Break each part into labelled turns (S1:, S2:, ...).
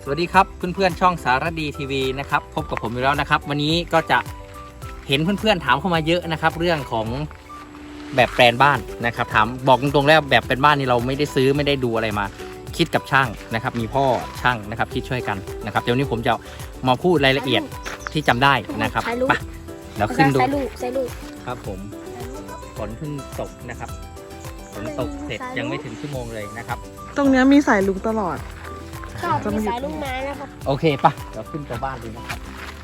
S1: สวัสดีครับเพื่อนๆช่องสารดีทีวีนะครับพบกับผมอีกแล้วนะครับวันนี้ก็จะเห็นเพื่อนๆถามเข้ามาเยอะนะครับเรื่องของแบบแปลนบ้านนะครับถามบอกตรงๆแล้วแบบแปลนบ้านนี่เราไม่ได้ซื้อไม่ได้ดูอะไรมาคิดกับช่างนะครับมีพ่อช่างนะครับคิดช่วยกันนะครับเดี๋ยวนี้ผมจะมาพูดรายละเอียดที่จำได้นะครับไปเดี๋ยวขึ้นดู
S2: ใส่ลูก
S1: ครับผมฝนเพิ่งตกนะครับฝนตกเสร็จยังไม่ถึงชั่วโมงเลยนะครับ
S3: ตรงนี้มีสายลุงตลอด
S2: ชอบมีสายลูกไม้นะครับ
S1: โอเคปะเดี๋ยวขึ้นตัวบ้านดูนะครับ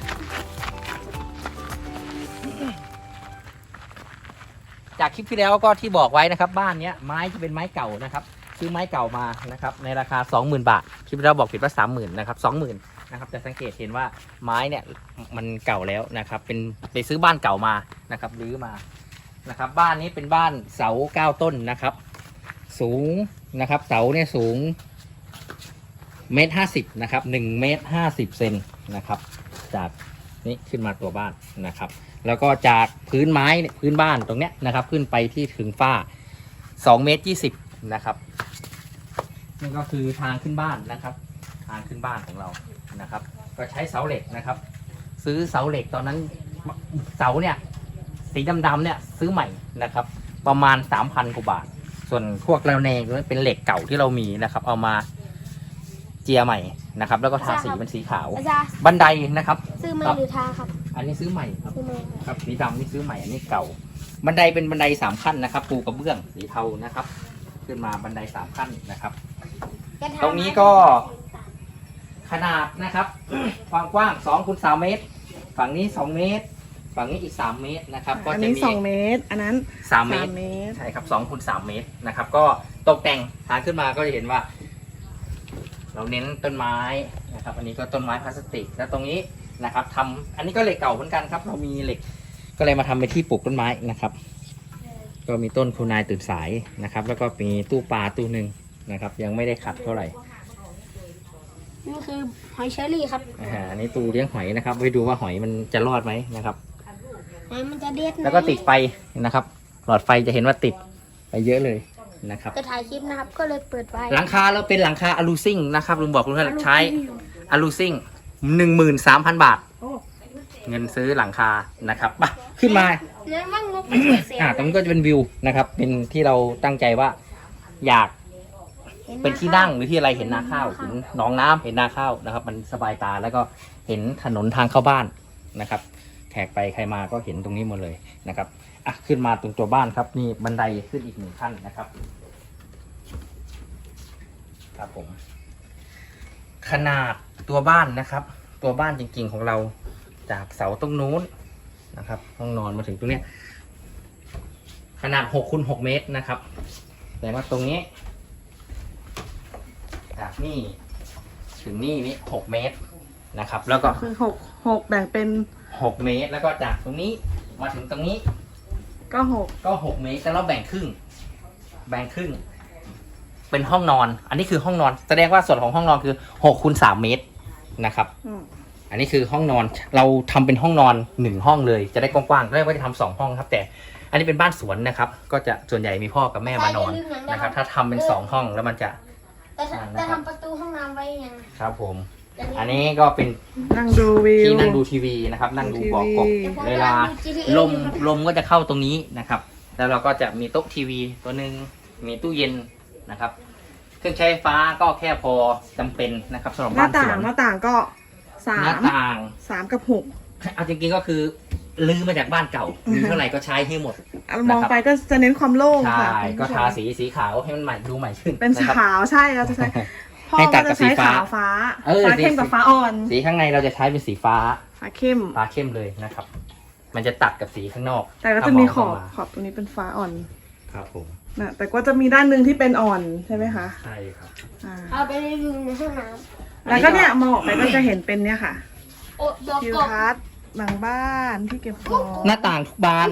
S1: จากคลิปที่แล้วก็ที่บอกไว้นะครับบ้านนี้ไม้จะเป็นไม้เก่านะครับซื้อไม้เก่ามานะครับในราคา 20,000 บาทคลิปที่แล้วบอกผิดว่า 30,000 นะครับ 20,000 นะครับแต่สังเกตเห็นว่าไม้เนี่ยมันเก่าแล้วนะครับเป็นไปซื้อบ้านเก่ามานะครับรื้อมานะครับบ้านนี้เป็นบ้านเสา9 ต้นนะครับสูงนะครับเสาเนี่ยสูง1.50 นะครับ1.50 เมตรนะครับจากนี้ขึ้นมาตัวบ้านนะครับแล้วก็จากพื้นไม้พื้นบ้านตรงเนี้ยนะครับขึ้นไปที่ถึงฝ้า2.20 เมตรนะครับนี่ก็คือทางขึ้นบ้านนะครับทางขึ้นบ้านของเรานะครับก็ใช้เสาเหล็กนะครับซื้อเสาเหล็กตอนนั้นเสาเนี่ยสีดำๆเนี่ยซื้อใหม่นะครับประมาณ 3,000 กว่าบาทส่วนพวกระแนงเป็นเหล็กเก่าที่เรามีนะครับเอามาเจียใหม่นะครับแล้วก็ทาสีเป็นสีขาวบันไดนะครับ
S2: ซื้อใหม่หรือทาครับ
S1: อันนี้ซื้อใหม่ครับ
S2: ซื้อใหม่
S1: ครับสีดำนี่ซื้อใหม่อันนี้เก่าบันไดเป็นบันได3 ขั้นนะครับปูกระเบื้องสีเทานะครับขึ้นมาบันได3 ขั้นนะครับตรงนี้ก็ขนาดนะครับความกว้าง2 คูณ 3 เมตรฝั่งนี้2 เมตรฝั่งนี้อีก3 เมตรนะครับก็จะมี
S3: 2 เมตรอันนั้น
S1: 3 เมตรใช่ครับ2 คูณ 3 เมตรนะครับก็ตกแต่งทางขึ้นมาก็จะเห็นว่าเราเน้นต้นไม้นะครับอันนี้ก็ต้นไม้พลาสติกแล้วตรงนี้นะครับทำอันนี้ก็เหล็กเก่าเหมือนกันครับเรามีเหล็กก็เลยมาทำเป็นที่ปลูกต้นไม้นะครับก็มีต้นคุณนายตื่นสายนะครับแล้วก็มีตู้ปลาตู้หนึ่งนะครับยังไม่ได้ขัดเท่าไหร่
S2: นี่คือหอยเชอรี่ครับ
S1: อันนี้ตู้เลี้ยงหอยนะครับไปดูว่าหอยมันจะรอดไหมนะครับ
S2: หอยมันจะเด็ด
S1: แล้วก็ติดไฟนะครับหลอดไฟจะเห็นว่าติดไปเยอะเลยนะครับ
S2: จะถ่ายคลิปนะครับก็เลยเปิดไฟ
S1: หลังคาเราเป็นหลังคาอะลูซิ่งนะครับลุงบอกลุงท่านใช้อะลูซิ่ง13,000 บาทเงินซื้อหลังคานะครับมาขึ้นมา
S2: เนี่ยมั่งงบ
S1: ตรงนี้ก็จะเป็นวิวนะครับเป็นที่เราตั้งใจว่าอยากเป็นที่นั่งหรือที่อะไรเห็นนาข้าวเห็นหนองน้ำเห็นนาข้าวนะครับมันสบายตาแล้วก็เห็นถนนทางเข้าบ้านนะครับแขกไปใครมาก็เห็นตรงนี้หมดเลยนะครับขึ้นมาตรงตัวบ้านครับนี่บันไดขึ้นอีก1 ขั้นนะครับครับผมขนาดตัวบ้านนะครับตัวบ้านจริงๆของเราจากเสาตรงนู้นนะครับห้องนอนมาถึงตรงเนี้ยขนาด6 คูณ 6 เมตรนะครับแต่ว่าตรงนี้จากนี่ถึงนี่6 เมตรนะครับแล้วก็
S3: คือ6แบ่งเป็น
S1: 6 เมตรแล้วก็จากตรงนี้มาถึงตรงนี้
S3: ก็
S1: 6 เมตรแต่เราแบ่งครึ่งเป็นห้องนอนอันนี้คือห้องนอนแสดงว่าส่วนของห้องนอนคือ6 คูณ 3 เมตรนะครับอันนี้คือห้องนอนเราทำเป็นห้องนอน1 ห้องเลยจะได้กว้างๆเรียกว่าจะทำ2 ห้องครับแต่อันนี้เป็นบ้านสวนนะครับก็จะส่วนใหญ่มีพ่อกับแม่มานอนนะครับถ้าทำเป็น2 ห้องแล้วมันจะ
S2: แต่ทำประตูห้องน้ำไว้ยัง
S1: ครับผมอันนี้ก็เป็น
S3: นั่งดูวิว
S1: ที่นั่งดูทีวีนะครับนั่งดูบอกกบเวลาลมก็จะเข้าตรงนี้นะครับแล้วเราก็จะมีโต๊ะทีวีตัวนึงมีตู้เย็นนะครับเครื่องใช้ไฟฟ้าก็แค่พอจำเป็นนะครับสำหรับบ้านสวน
S3: หน้าต่างก็3 กับ 6
S1: เอาจริงๆก็คือลื้อมาจากบ้านเก่ามีเท่าไหร่ก็ใช้ให้หมด
S3: มองไปก็จะเน้นความโล่งค่ะ
S1: ใช่ก็ทาสีขาวให้มันใหม่ดูใหม่ขึ้น
S3: เป็นขาวใช่เราจะใช้พ่อก็จะใช้ขาวฟ้าเข้มกับฟ้าอ่อน
S1: สีข้างในเราจะใช้เป็นสีฟ้า
S3: เข้ม
S1: เลยนะครับมันจะตัดกับสีข้างนอก
S3: แต่ก็จะมีขอบตรงนี้เป็นฟ้าอ่อน
S1: ครับผม
S3: นะแต่ก็จะมีด้านหนึ่งที่เป็นอ่อนใช่ไหมคะ
S1: ใช่ครับ
S2: เอาไปรีวิวในห้องน้
S3: ำแล้วก็เนี่ยมองออกไปก็จะเห็นเป็นเนี่ยค่ะทิวทัศน์หลังบ้านที่เก็บของ
S1: หน้าต่างทุกบาน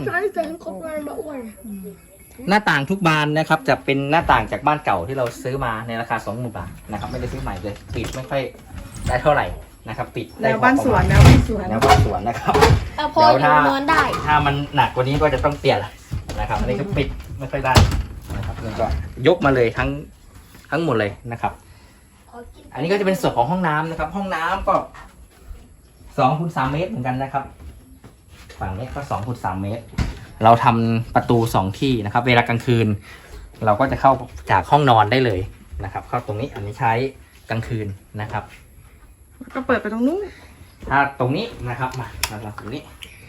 S1: หน้าต่างทุกบานนะครับจะเป็นหน้าต่างจากบ้านเก่าที่เราซื้อมาในราคา 20,000 บาทนะครับไม่ได้ซื้อใหม่เลยปิดไม่ค่อยได้เท่าไหร่นะครับปิด
S3: แนวบ้านสวนนะครับ
S2: พออยู่นอนได้
S1: ถ้ามันหนักกว่านี้ก็จะต้องเปลี่ยนนะครับอันนี้ก็ปิดไม่ค่อยได้นะครับแล้วก็ยกมาเลยทั้งหมดเลยนะครับอันนี้ก็จะเป็นส่วนของห้องน้ำนะครับ ห้องน้ำก็2 x 3 เมตรเหมือนกันนะครับ ฝั่งนี้ก็2 x 3 เมตร เราทำประตู2 ที่นะครับ เวลากลางคืน เราก็จะเข้าจากห้องนอนได้เลยนะครับ เข้าตรงนี้อันนี้ใช้กลางคืนนะครับ
S3: ก็เปิดไปตรงนู้น
S1: ถ้าตรงนี้นะครับมาตรงนี้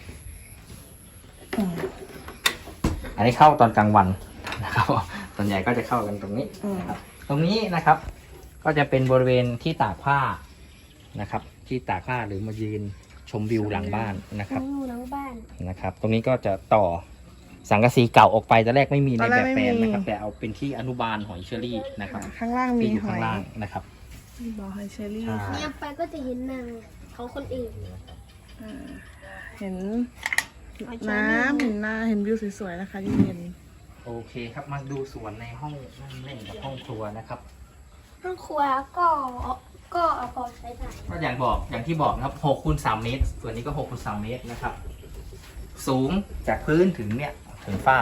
S1: อันนี้เข้าตอนกลางวันนะครับส่วนใหญ่ก็จะเข้ากันตรงนี้นะครับ ตรงนี้นะครับ ก็จะเป็นบริเวณที่ตากผ้านะครับ ที่ตากผ้าหรือมายืนชมวิวหลังบ้านนะครับ
S2: อยู่หลังบ้าน
S1: นะครับ ตรงนี้ก็จะต่อสังกะสีเก่าออกไปตอนแรกไม่มีในแบบแปลนนะครับ แต่เอาเป็นที่อนุบาลหอยเชอรี่นะครับ
S3: ข้างล่างมี
S1: ที่อยู่
S3: หอ
S1: ข้าง
S3: ย
S1: ล่างนะครับ
S3: บ่อหอยเชอรี่
S1: ใช่
S2: เนี่ยไปก็จะเห็นนางเขาคนอื่น
S3: เห็น
S2: หอยเชอรี่
S3: น้ำเห็นนาเห็นวิวสวยๆนะคะเย็น
S1: โอเคครับมาดูสวนในห้องนั่งเล่นกับห้องครัวนะครับ
S2: ห้องครัวก็เอาพอใช้ได้
S1: ก็อย่างที่บอกนะครับ6 คูณ 3 เมตร ส่วนนี้ก็6 คูณ 3 เมตรนะครับ สูงจากพื้นถึงเนี่ยถึงฝ้า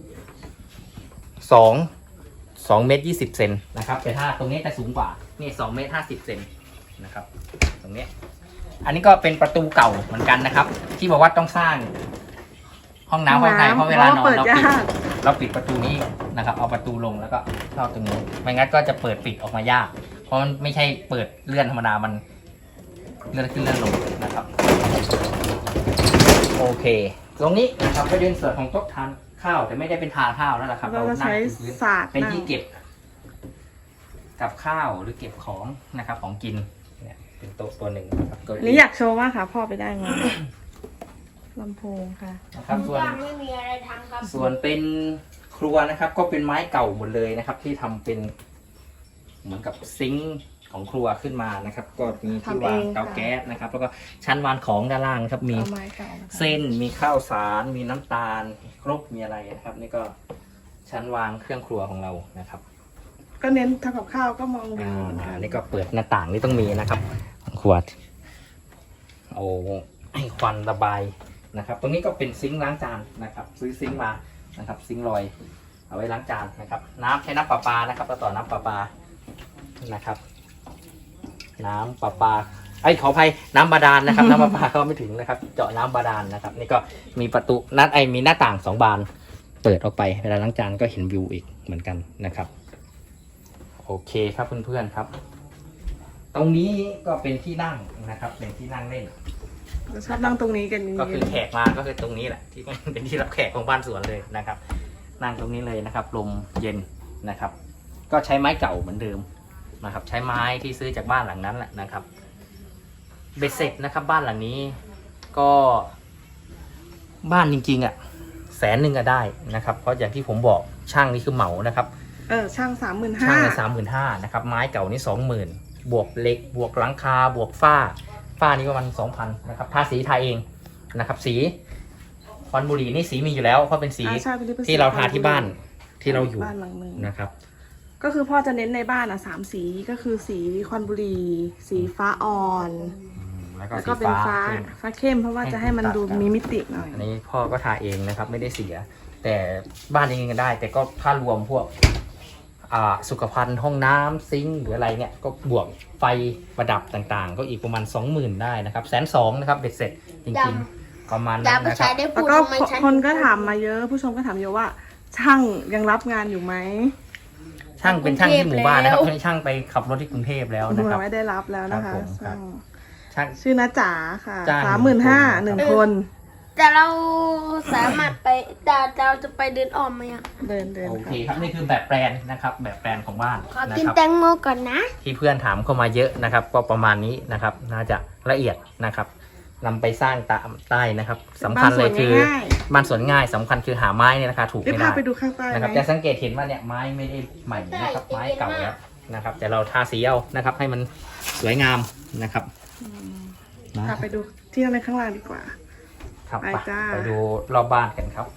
S1: 2 เมตร 20 เซนนะครับ แต่ถ้าตรงนี้จะสูงกว่านี่2 เมตร 50 เซนนะครับ ตรงนี้ อันนี้ก็เป็นประตูเก่าเหมือนกันนะครับ ที่บอกว่าต้องสร้างห้องน้ำไว้ในเพราะเวลานอนเราปิดประตูนี้นะครับ เอาประตูลงแล้วก็เข้าตรงนี้ไม่งั้นก็จะเปิดปิดออกมายาก เพราะมันไม่ใช่เปิดเลื่อนธรรมดา มันเลื่อนขึ้นเลื่อนลงนะครับ โอเค ตรงนี้นะครับก็เป็นส่วนของโต๊ะทานข้าวแต่ไม่ได้เป็นทานข้าวแล้วล่ะครับ
S3: เราจะ
S1: นั่ง
S3: ใช้
S1: พื้น
S3: ศาสตร์
S1: เป็นที่
S3: นั่ง
S1: เก็บกับข้าวหรือเก็บของนะครับ ของกินเนี่ยเป็นโต๊ะตัวหนึ่งนะครับเก้า
S3: อัน
S1: อี้
S3: นี้อยากโชว์มากค่ะ พ่อไปได้มาลำโพงค่ะ
S1: นะครับส่วน
S2: บ้านไม่มีอะไรทำครับ
S1: ส่วนเป็นครัวนะครับ ก็เป็นไม้เก่าหมดเลยนะครับ ที่ทำเป็นเหมือนกับซิงค์ของครัวขึ้นมานะครับ ก็มีที่วางเตาแก๊สนะครับ แล้วก็ชั้นวางของด้านล่างนะครับ มี
S3: เอาไม้เก่านะคะ
S1: เส้นมีข้าวสารมีน้ำตาลครกมีอะไรนะครับ นี่ก็ชั้นวางเครื่องครัวของเรานะครับ
S3: ก็เน้นทำกับข้าวก็มองวิวเหมือนกัน
S1: นี่ก็เปิดหน้าต่างนี่ต้องมีนะครับขวดโอ้ให้ควันระบายนะครับ ตรงนี้ก็เป็นซิงค์ล้างจานนะครับ ซื้อซิงค์มานะครับ ซิงค์ลอยเอาไว้ล้างจานนะครับ น้ำใช้น้ำประปานะครับต่อน้ำประปานะครับ น้ำประปาขออภัยน้ำบาดาลนะครับ น้ำประปาเข้าไม่ถึงนะครับ เจาะน้ำบาดาลนะครับ นี่ก็มีประตูมีหน้าต่าง2 บานเปิดออกไปเวลาล้างจานก็เห็นวิวอีกเหมือนกันนะครับ โอเคครับเพื่อนๆครับ ตรงนี้ก็เป็นที่นั่งนะครับ เป็นที่นั่งเล่น
S3: เราชอบนั่งตรงนี้กันเย็นๆ
S1: ก็คือแขกมาก็คือตรงนี้แหละที่เป็นที่รับแขกของบ้านสวนเลยนะครับ นั่งตรงนี้เลยนะครับลมเย็นนะครับ ก็ใช้ไม้เก่าเหมือนเดิมนะครับ ใช้ไม้ที่ซื้อจากบ้านหลังนั้นแหละนะครับเบ็ดเสร็จนะครับ บ้านหลังนี้ก็บ้านจริงๆ100,000ก็ได้นะครับ เพราะอย่างที่ผมบอกช่างนี่คือเหมานะครับ
S3: ช่าง35,000
S1: ช่างใน35,000นะครับ ไม้เก่านี่20,000บวกเหล็กบวกหลังคาบวกฝ้านี่ประมาณ2,000นะครับทาสีทาเองนะครับ สีควันบุหรี่นี่สีมีอยู่แล้วเพราะเป็นสี
S3: ใช่เป็นสี
S1: ที่เราทาที่บ้านที่เราอยู่
S3: บ้านหลังหนึ่ง
S1: นะครับ
S3: ก็คือพ่อจะเน้นในบ้าน3 สีก็คือสีควันบุหรี่สีฟ้าอ่อน
S1: แล้วก็
S3: แล้ว
S1: สี
S3: ก็เป็น
S1: ฟ้า
S3: ฟ้าเข้มเพราะว่าจะให้มันดูมีมิติหน่อย
S1: อันนี้พ่อก็ทาเองนะครับ ไม่ได้เสีย แต่บ้านจริงๆก็ได้ แต่ก็ถ้ารวมพวกสุขภัณฑ์ห้องน้ำซิงค์หรืออะไรเนี่ยก็บวกไฟประดับต่างๆ ก็อีกประมาณ 20,000ได้นะครับ120,000นะครับเบ็ดเสร็จจริงๆประมาณ
S2: อ
S1: นั้
S2: ย่าน ไป
S1: นะค
S2: ใช้
S1: รับ
S2: ได้
S3: แล้
S2: พู
S3: ว
S2: ด
S3: ก็
S2: ทำไมฉัน
S3: คนก็ถามมาเยอะผู้ชมก็ถามเยอะว่า ช่างยังรับงานอยู่ไหม
S1: ช่างเป็นช่างที่หมู่บ้านนะครับไม่ใช่ช่างไปขับรถที่กรุงเทพแล้วนะครับ
S3: ไม่ได้รับแล้วนะคะ
S1: ครับผมครับ ช่าง
S3: ชื่อน้าจ๋าค่ะ
S1: จ้าง
S3: 35,000 1 คน
S2: แต่เราสามารถไปเราจะไปเดินอ้อมไหมอ่ะ
S3: เดิน
S1: โอ
S3: ค่ะ
S1: เคครับนี่คือแบบแปลนนะครับ แบบแปลนของบ้าน
S2: ขอ
S1: นะ
S2: กิน
S1: ครับ
S2: แตงโมก่อนนะ
S1: ที่เพื่อนถามเข้ามาเยอะนะครับ ก็ประมาณนี้นะครับ น่าจะละเอียดนะครับนำไปสร้างตามใต้นะครับสำคัญเลยคือ
S3: บ้านสวนง่าย
S1: บ้านสวนง่ายสำคัญคือหาไม้เนี่ยราคาถูก
S3: ได้
S1: ไม่
S3: พา
S1: ได้
S3: ไปดูข้างใต้
S1: นะครับ
S3: ไหม
S1: จะสังเกตเห็นว่าเนี่ยไม้ไม่ได้ใหม่นะครับ ไม้เก่าแล้วนะครับ แต่เราทาสีเอานะครับ ให้มันสวยงามนะครับนะ
S3: พาไปดูที่นั่งในข้างล่างดีกว่า
S1: ครับ
S3: ไปจ้า
S1: ไปดูรอบบ้านกันครับ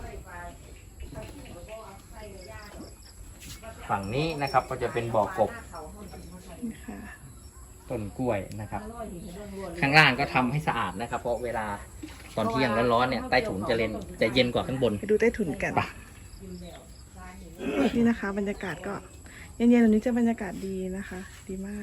S1: ฝั่งนี้นะครับก็จะเป็นบ่อกบ
S3: นี่ค่ะ
S1: ต้นกล้วยนะครับ ข้างล่างก็ทำให้สะอาดนะครับ เพราะเวลาตอนเที่ยงร้อนๆเนี่ยใต้ถุนจะเย็นกว่าข้างบน
S3: ไปดูใต้ถุนกัน
S1: ไป
S3: นี่นะคะ บรรยากาศก็เย็นๆแบบนี้จะบรรยากาศดีนะคะ ดีมาก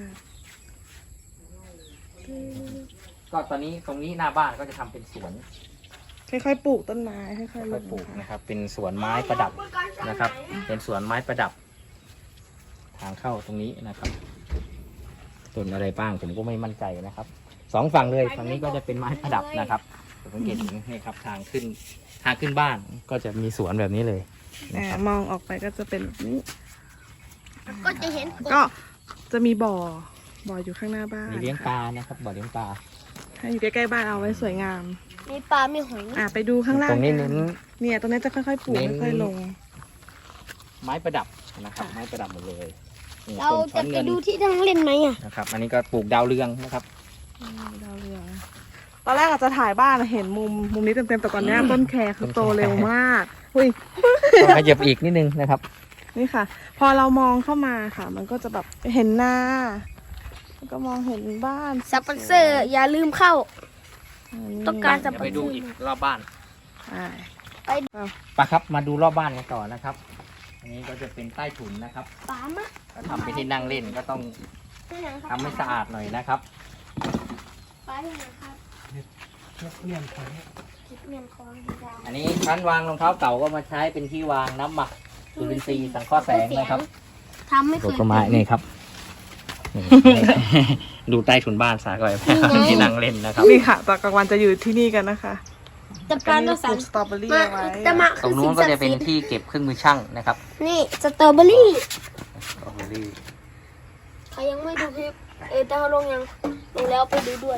S1: ก็ตอนนี้ตรงนี้หน้าบ้านก็จะทำเป็นสวน
S3: ค่อยๆปลูกต้นไม้ค่อยๆล
S1: ค่อย
S3: ง
S1: ๆปลูก
S3: นะคะ
S1: นะครับ เป็นสวนไม้ประดับนะครับ เป็นสวนไม้ประดับ ทางเข้าตรงนี้นะครับต้นอะไรบ้างผมก็ไม่มั่นใจนะครับสองฝั่งเลยฝั่งนี้ก็จะเป็นไม้ประดับนะครับสังเกตเห็นนี่ครับทางขึ้นบ้านก็จะมีสวนแบบนี้เลยนะครับ
S3: มองออกไปก็จะเป็นแบบนี้
S2: ก็จะเห็น
S3: ก็จะมีบ่ออยู่ข้างหน้าบ้าน
S1: มีเลี้ยงปลานะครับบ่อเลี้ยงปลา
S3: ให้อยู่ใกล้ๆบ้านเอาไว้สวยงาม
S2: มีปลา มีหอย
S3: ไปดูข้างล่าง
S1: ตรงนี้
S3: กั
S1: เน้น
S3: เนี่ยตรงนี้จะค่อยๆปลูก
S1: เน้น
S3: ค่อยๆลง
S1: ไม้ประดับนะครับ ไม้ประดับหมดเลยนี่
S2: เรา
S1: ต้นช้
S2: จะ
S1: อน
S2: ไป
S1: เงิน
S2: ดูที่นั่งเล่นไหมอ่ะ
S1: นะครับ อันนี้ก็ปลูกดาวเรืองนะครับ
S3: ดาวเรืองตอนแรกอาจจะถ่ายบ้านเห็นมุมนี้เต็มๆแต่ก่อนเนี้ยต้นแครคือโตเร็วมากอุ้ย
S1: ต้องขยับอีกนิดนึงนะครับ
S3: นี่ค่ะ พอเรามองเข้ามาค่ะ มันก็จะแบบเห็นหน้าแล้วก็มองเห็นบ้าน
S2: สปอนเซอร์ อย่าลืมเข้า ต้องการ
S1: เดี๋ยวไปดูอีกรอบบ้าน
S3: อ่า
S1: ไปครับมาดูรอบบ้านกันต่อนะครับ อันนี้ก็จะเป็นใต้ถุนนะครับ
S2: ปลามะ
S1: ก็ทำเป็นที่นั่งเล่นก็ต้อง
S2: ที่ไหนครับ
S1: ทำให้สะอาดหน่อยนะครับ
S2: ปลาที่ไหนครับเมียนของดาว
S1: อันนี้ชั้นวางรองเท้าเก่าก็มาใช้เป็นที่วางน้ำหมักจุลินทรีย์สังเคราะห์แสงนะครับ
S2: ทำไม่เค
S1: ตั
S2: ยว
S1: ต้นไม้นี่ครับนี่ดูใต้ถุนบ้านสาก่อยที่นั่งเล่นนะครับ
S3: นี่ค่ะตอนกลางวันจะอยู่ที่นี่กันนะคะ
S2: จะปลา
S3: ก็
S2: ตัว
S3: มีป
S2: สั
S3: ลู
S2: น
S3: กสตรอเบอรี่
S2: มา
S3: เอาไว้
S2: จะมา
S1: ตรงนู้นก็จะเป็นที่เก็บเครื่องมือช่างนะครับ
S2: นี่สตรอเบอรี่
S1: สตรอเบอรี่
S2: ใครยังไม่ดูคลิปแต่เขาลงยังลงแล้วไปดูด้วย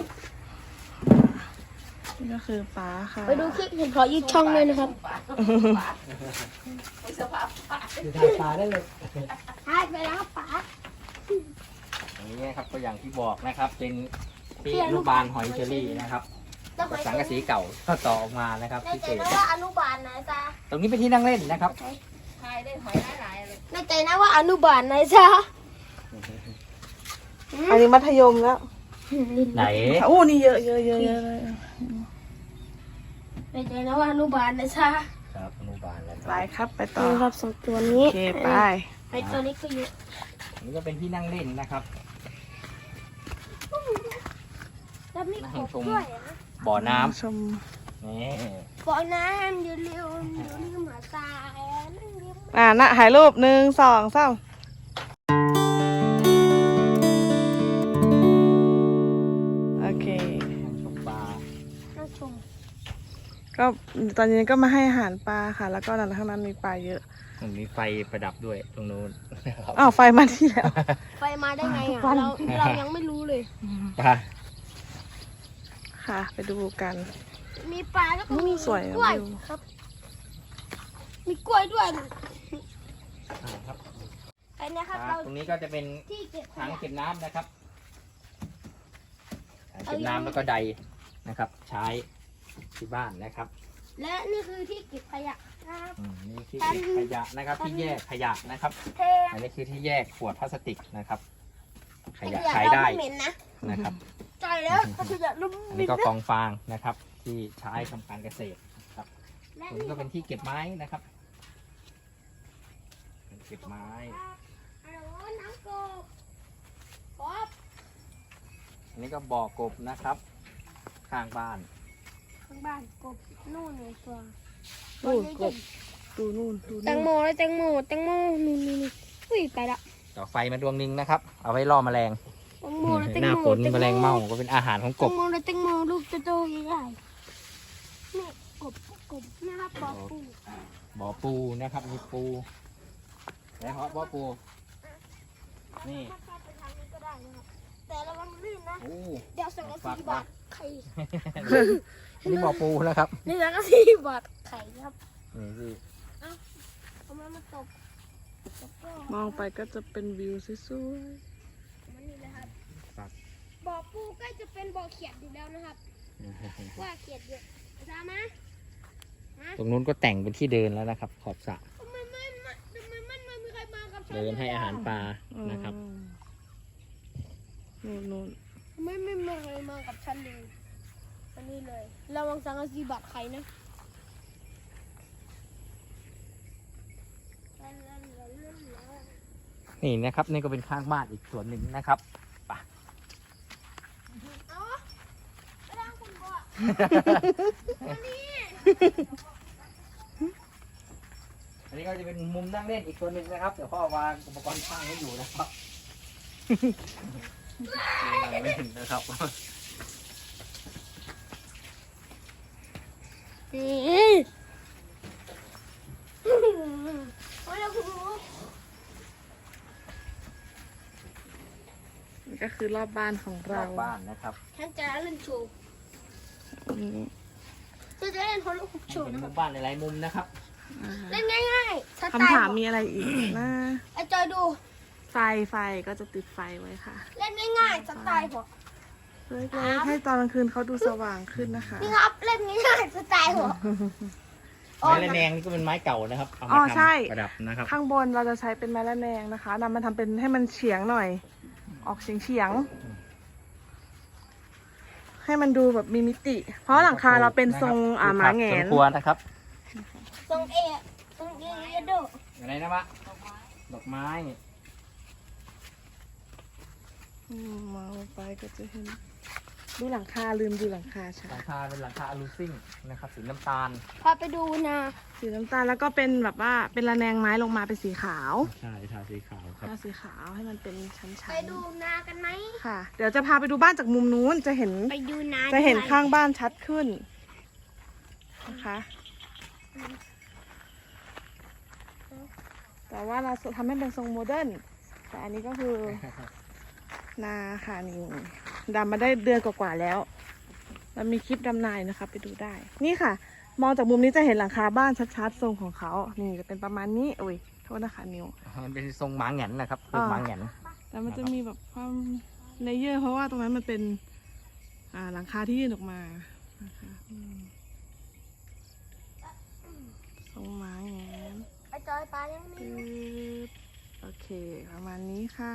S3: นี่ก็คือป้าค่ะ
S2: ไปดูคลิปเห็นขอยืดช่องเลยนะครับ
S1: ดูทางปลาได้เลย
S2: หายไปแล้วป๋า
S1: อย่างนี้นะครับก็อย่างที่บอกนะครับ เป็นที่อนุบาลหอยเชอรี่นะครับกับสังกะสีเก่าก็ต่อออกมานะครับ
S2: ใน
S1: พิ
S2: ใจ
S1: เศษ
S2: นะว่าอนุบาลไหนจ๊ะ
S1: ตรงนี้เป็นที่นั่งเล่นนะครับ
S2: ในใจนะว่าอนุบาลไหนจ๊ะ
S3: อันนี้มัธยมแล้ว
S1: ไหน
S3: โอ้นี่เยอะเลย
S2: ในใจนะว่าอนุบาลไหนจ๊ะ
S1: ครับอนุบาลแล้ว
S3: ไปครับไปต่อ
S2: นี่ครับสองตัวนี้
S3: โอเคไป
S2: ไอตัวนี้ก็เยอะ
S1: อันนี้ก็เป็นที่นั่งเล่นนะครับ
S2: แล้วมีกบด้วยนะ
S1: บ่อน้ำ
S3: ชม
S1: นี่
S2: บ่อน้ำอย่าลืมมาตายนั่งเลี้ยง
S3: นะถ่ายรูป1 2 3โอเค
S1: นั่งชมปลา
S2: นั่งชม
S3: ก็ตอนนี้ก็มาให้อาหารปลาค่ะ แล้วก็นั่นข้างนั้นมีปลาเยอะ
S1: มันมีไฟประดับด้วยตรงนู้นนะครับ
S3: อ้าวไฟมาที่แล้ว
S2: ไฟมาได้ไงอ่ะเรายังไม่รู้เลย
S1: ปลา
S3: ค่ะ ไปดูกัน
S2: มีปลาแล้วก็มี
S3: สวยอะ
S2: กล้วย
S3: วิว
S2: ครับ มีกล้วยด้วย
S1: ครับ
S2: ไอ้เนี่ยครับ
S1: ปลา
S2: เรา
S1: ตรงนี้ก็จะเป็น
S2: ที่เก็บข
S1: ถัง
S2: ยะ
S1: เก็บน้ำนะครับถังเก็บน้ำแล้วก็ใดนะครับ ใช้ที่บ้านนะครับ
S2: และนี่คือที่เก็บขยะนะครับ
S1: นี่ที่เก็บขยะนะครับ ที่แยกขยะนะครับ
S2: เท
S1: อันนี้คือที่แยกขวดพลาสติกนะครับ ขยะ
S2: ข
S1: ใช้
S2: ยะเรา
S1: ได้
S2: ไม่เหม็นนะ
S1: นะครับ
S2: ใจแล้วขยะเรา
S1: อัน
S2: ไม่
S1: นี้
S2: เหม็
S1: ก็
S2: น
S1: ก
S2: นะ
S1: องฟางนะครับ ที่ใช้ทำการเกษตรครับ
S2: และ
S1: ตรงนี้ก็เป็นที่เก็บไม้นะครับเก็บไม้
S2: น้ำกบกบ
S1: อันนี้ก็บ่อกบนะครับ ข้างบ้าน
S2: ข้างบ้านกบนู่นเลยตัว
S3: นู่นกบดูนู่นดู
S2: แตงโมเลยแตงโมนู่นอุ้ยไปละ
S1: ต่อไฟมาดวงหนึงนะครับ เอาไว้ล่อแมลง
S2: แตงโมเลยแตง
S1: หน้า
S2: โม
S1: ฝนแมลงเม่าก็เป็นอาหารของก
S2: แต
S1: บ
S2: งโมเลยแตงโมลูกโตๆใหญ่ๆนี่กบนะครับปอปู
S1: บ่อปูนะครับมีปูแล้วบ่อปู นี่
S2: ไปทางนี้ก็ได้นะครับแต่ระวังลื่นนะ
S1: โอ้
S2: เดี๋ยวสั่งกะสีบาทไข่
S1: อันนี้บ่อปูนะครับ
S2: นี่สั่งกะสีบาทไข่ครับ
S1: นี่สิ
S2: เอามาตบก็
S3: มองไปก็จะเป็นวิวสวย
S2: มันนี่นะครับ
S1: ครับ
S2: บ่อปูใกล้จะเป็นบ่อเขียดอยู่แล้วนะครับ ว่าเขียดเยอะอาจารย์มา
S1: ตรงนู้นก็แต่งเป็นที่เดินแล้วนะครับ ขอบสระ
S2: ทำไมมันไม่มีใครมากับฉัน
S1: เดินให้อาหารปลา
S3: ๆ
S1: นะครับ
S3: นู่น
S2: ทำไมไม่มีใครมากับฉันเลยอันนี้เลยระวังสังกะสีบาดไข่นะ
S1: นี่นะครับนี่ก็เป็นข้างบ้านอีกส่วนหนึ่งนะครับไป
S2: เอาไปล้างคุณบ่
S1: อันนี้ก็จะเป็นมุมนั่งเล่นอีกส่วนหนึ่งนะครับเดี๋ยวพ่อวางอุปกรณ์ช่างให้อยู่นะครับนั่งเล่นนะครับ
S2: นี่โอ้ยเราคุณรู้
S3: นี่ก็คือรอบบ้านของ
S1: ร
S3: เรา
S1: อบบ้านนะครับ
S2: ฉันจะเล่นโชว์
S3: อืม
S2: ฉันจะเล่นฮอลลูกโชว์
S1: เป็น
S2: นะค
S1: มุ
S2: รับ
S1: มบ้านหลายๆมุมนะครับ
S2: เล่นง่ายๆสไต
S3: คำถาม
S2: ล์
S3: มีอะไรอีกนะ
S2: ไอจอยดู
S3: ไฟก็จะติดไฟไว้ค่ะ
S2: เล่นง่ายๆสไตล์ผม
S3: เล็กๆให้ตอนกลางคืนเขาดูสว่างขึ้นนะคะ
S2: นี่ครับเล่นง่ายๆสไตล์ผม
S1: ไม้ระแนงนี่ก็เป็นไม้เก่านะครับเอา
S3: อ๋
S1: มา
S3: อใช่
S1: ทำประดับนะครับ
S3: ข้างบนเราจะใช้เป็นไม้ระแนงนะคะนำมาทำเป็นให้มันเฉียงหน่อย ออกเฉียงให้มันดูแบบมีมิติ เพราะหลังคาเราเป็นทรงหมาแหง
S1: ส
S3: น
S1: มควรนะครับ
S2: ทรงเอโด
S1: อะไรนะวะดอกไม้
S3: มองลงไปก็จะเห็นดูหลังคาลืมดูหลังคาใช่
S1: หลังคาเป็นหลังคาอลูซิ่งนะครับสีน้ำตาล
S2: พาไปดูนา
S3: สีน้ำตาลแล้วก็เป็นแบบว่าเป็นระแนงไม้ลงมาเป็นสีขาว
S1: ใช่ทาสีขาวครับ
S3: ทาสีขาวให้มันเป็นชั้น
S2: ไปดูนากันไหม
S3: ๆค่ะ เดี๋ยวจะพาไปดูบ้านจากมุมนู้นจะเห็น
S2: ไปดูนา
S3: จะเห็นข้างบ้านชัดขึ้นนะคะแต่ว่าเราทำให้เป็นทรงโมเดิร์นแต่อันนี้ก็คือ นาค่ะนี่ดำมาได้เดือนกว่าๆแล้วเรามีคลิปดำนายนะคะไปดูได้ นี่ค่ะ มองจากมุมนี้จะเห็นหลังคาบ้านชัดๆทรงของเขานี่จะเป็นประมาณนี้โอ้ยโทษนะคะนิว
S1: มันเป็นทรงหมาแหงนนะครับคือหมาแหงน
S3: แต่มันจะมีแบบความเลเยอร์เพราะว่าตรงนั้นมันเป็นหลังคาที่ยื่นออกมานะคะทรงไม้แงน
S2: ไอจอยปลายังมี
S3: ปึ๊บโอเคประมาณนี้ค่ะ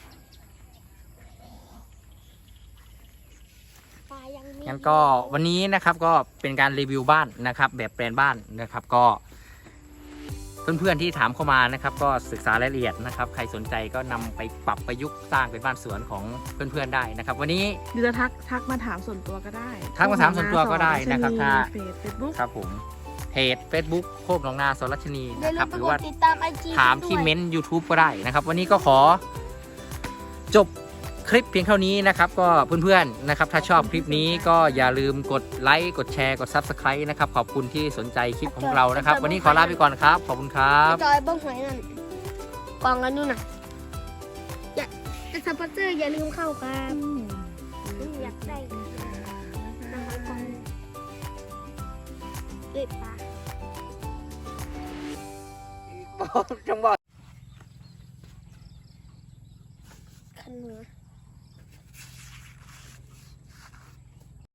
S2: ปลายังมี
S1: งั้นก็วันนี้นะครับก็เป็นการรีวิวบ้านนะครับ แบบแปลนบ้านนะครับก็เพื่อนๆที่ถามเข้ามานะครับ ก็ศึกษารายละเอียดนะครับ ใครสนใจก็นำไปปรับประยุกต์สร้างเป็นบ้านสวนของเพื่อนๆได้นะครับ วันนี้
S3: หรือจะทักมาถามส่วนตัวก็ได้
S1: ทักมาถามส่วนตัวก็ได้นะครับถ้า
S3: เฟซบุ๊ก
S1: ครับผมเพจ Facebook โคกหนองนาสรัชนี
S2: อย่า
S1: นะค
S2: ลื
S1: รับ
S2: มไป
S1: หรื
S2: ก
S1: อ
S2: ด
S1: ว่า
S2: ติดตามไอจี
S1: ถามที่เม้นต์ YouTube ก็ได้นะครับ วันนี้ก็ขอจบคลิปเพียงเท่านี้นะครับ ก็เพื่อนๆนะครับ ถ้าชอบคลิปนี้ก็อย่าลืมกดไลค์กดแชร์กด Subscribe นะครับ ขอบคุณที่สนใจคลิปของเรานะครับ วันนี้ขอลาไปก่อนครับ ขอบคุณครั
S2: ไอบ จอยเบิ้งหอยนั่นกองกันนู่นน่ะอย่าจะสปอนเซอร์อย่าลืมเข้าครับอยากได้นะคะกองเก็บปลา
S1: จังหวะ
S2: ขันหัว